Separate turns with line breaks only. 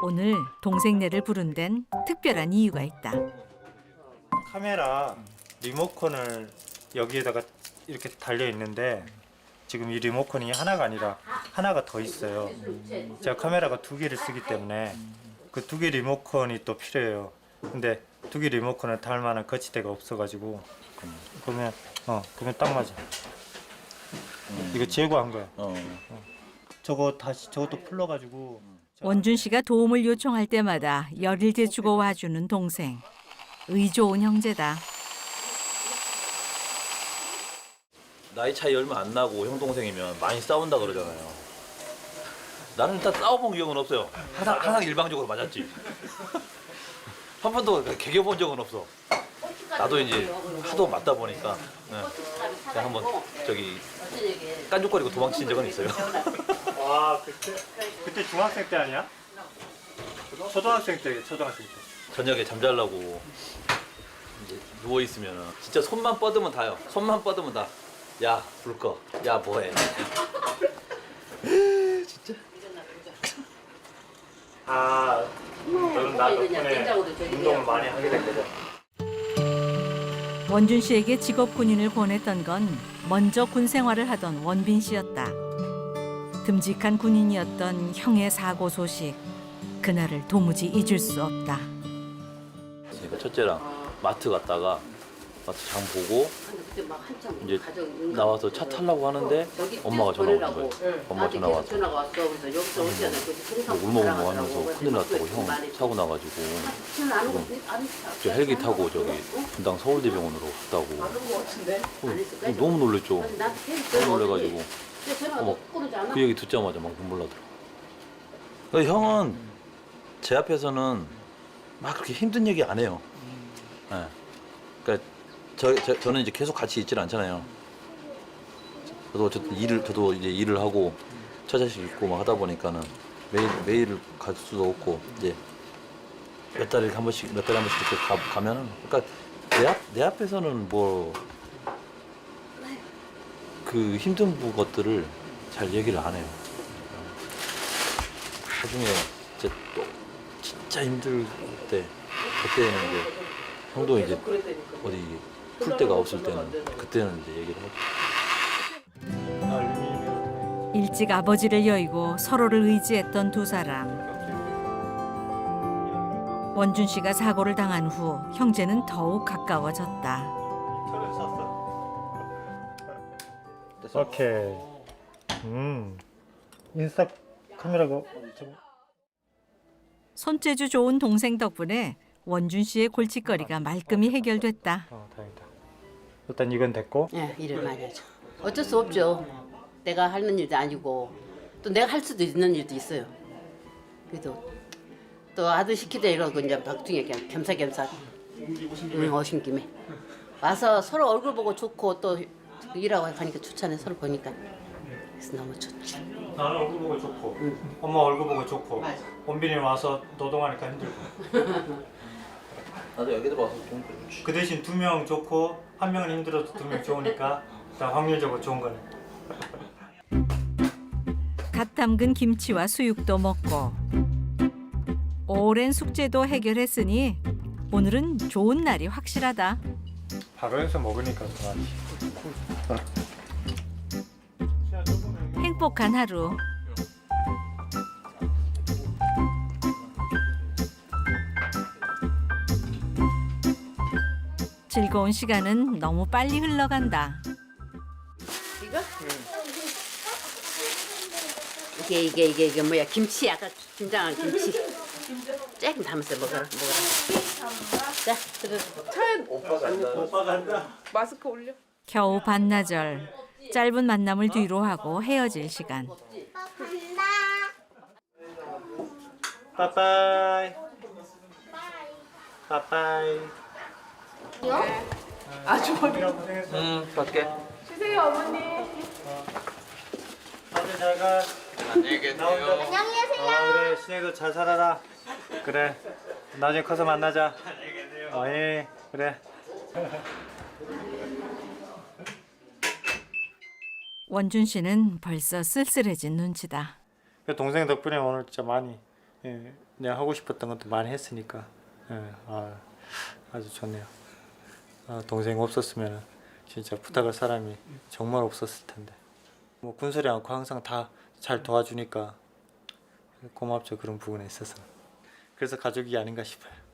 오늘 동생네를 부른 데는 특별한 이유가 있다.
카메라 리모컨을 여기에다가 이렇게 달려 있는데 지금 이 리모컨이 하나가 아니라 하나가 더 있어요. 제가 카메라가 2개를 쓰기 때문에 그 2개 리모컨이 또 필요해요. 근데 2개 리모컨을 달 만한 거치대가 없어가지고 그러면 딱 맞아. 이거 제거한 거야. 저것도 풀러가지고.
원준 씨가 도움을 요청할 때마다 열일제 주고 와주는 동생. 의 좋은 형제다.
나이 차이 얼마 안 나고 형 동생이면 많이 싸운다 그러잖아요. 나는 일단 싸워본 기억은 없어요. 항상 일방적으로 맞았지. 한 번도 개겨본 적은 없어. 나도 이제 하도 맞다 보니까 그냥 한번 깐족거리고 도망친 적은 있어요.
와 그때 중학생 때 아니야? 초등학생 때.
저녁에 잠자려고 이제 누워 있으면 진짜 손만 뻗으면 다요. 손만 뻗으면 다. 야 불 꺼. 야 뭐해. 진짜.
너는 나 덕분에 운동을 많이 하게 된 거죠.
원준 씨에게 직업 군인을 권했던 건 먼저 군 생활을 하던 원빈 씨였다. 듬직한 군인이었던 형의 사고 소식. 그날을 도무지 잊을 수 없다.
그러니까 첫째랑 마트 갔다가 마트 장 보고 이제 나와서 차 타려고 하는데 엄마가 전화 오는 거예요. 엄마 전화 왔어. 울먹울먹 하면서 큰일 났다고 형 사고 나가지고 저 헬기 타고 저기 분당 서울대병원으로 갔다고. 너무 놀랬죠. 너무 놀래가지고 그 얘기 듣자마자 막 눈물 나더라고. 그러니까 형은 제 앞에서는 막 그렇게 힘든 얘기 안 해요. 네. 그러니까 저는 이제 계속 같이 있질 않잖아요. 저도 어쨌든 저도 이제 일을 하고 처자식 있고 막 하다 보니까는 매일을 갈 수도 없고 이제 몇 달에 한 번씩 이렇게 가면은 그러니까 내 앞에서는 뭐 그 힘든 것들을 잘 얘기를 안 해요. 나중에 이제 또 진짜 힘들 때 그때는 이제 형도 이제 어디 풀 데가 없을 때는 그때는 이제 얘기를 하죠.
일찍 아버지를 여의고 서로를 의지했던 두 사람. 원준 씨가 사고를 당한 후 형제는 더욱 가까워졌다.
오케이. 인스타 카메라가
손재주 좋은 동생 덕분에 원준 씨의 골칫거리가 말끔히 해결됐다.
다행이다. 일단 이건 됐고.
예, 일을 많이 하죠. 어쩔 수 없죠. 내가 하는 일도 아니고 또 내가 할 수도 있는 일도 있어요. 그래도 또 아들 시키다 이러고 이제 박중에 그냥 겸사겸사 오신 김에 와서 서로 얼굴 보고 좋고 또 일하고 가니까 좋잖아요. 서로 보니까. 그래서 너무 좋죠.
나는 얼굴 보고 좋고, 엄마 얼굴 보고 좋고,
맞아.
원빈이 와서 노동하니까 힘들고.
나도 여기도 와서 좀 그렇지.
그 대신 2명 좋고 1명은 힘들어도 2명 좋으니까 일단 확률적으로 좋은 거네.
갓 담근 김치와 수육도 먹고 오랜 숙제도 해결했으니 오늘은 좋은 날이 확실하다.
바로 해서 먹으니까 좋아하지.
행복한 하루. 즐거운 시간은 너무 빨리 흘러간다.
이거? 이게 뭐야? 김치 아까 김장한 김치. 조금 담았어 먹어라. 자, 들어.
오빠 간다.
마스크 올려.
겨우 반나절. 짧은 만남을 뒤로 하고 헤어질 시간.
빠빠이. 빠빠이.
아주 머리.
갈게.
주세요 어머니.
다들 잘 가.
안녕히 계세요.
안녕히 계세요. 그래, 신혜도 잘 살아라. 그래. 나중에 커서 만나자. 안녕히 계세요. 예, 그래.
원준 씨는 벌써 쓸쓸해진 눈치다.
동생 덕분에 오늘 진짜 많이 내가 하고 싶었던 것도 많이 했으니까 아주 좋네요. 동생 없었으면 진짜 부탁할 사람이 정말 없었을 텐데 뭐 군소리 않고 항상 다 잘 도와주니까 고맙죠. 그런 부분에 있어서. 그래서 가족이 아닌가 싶어요.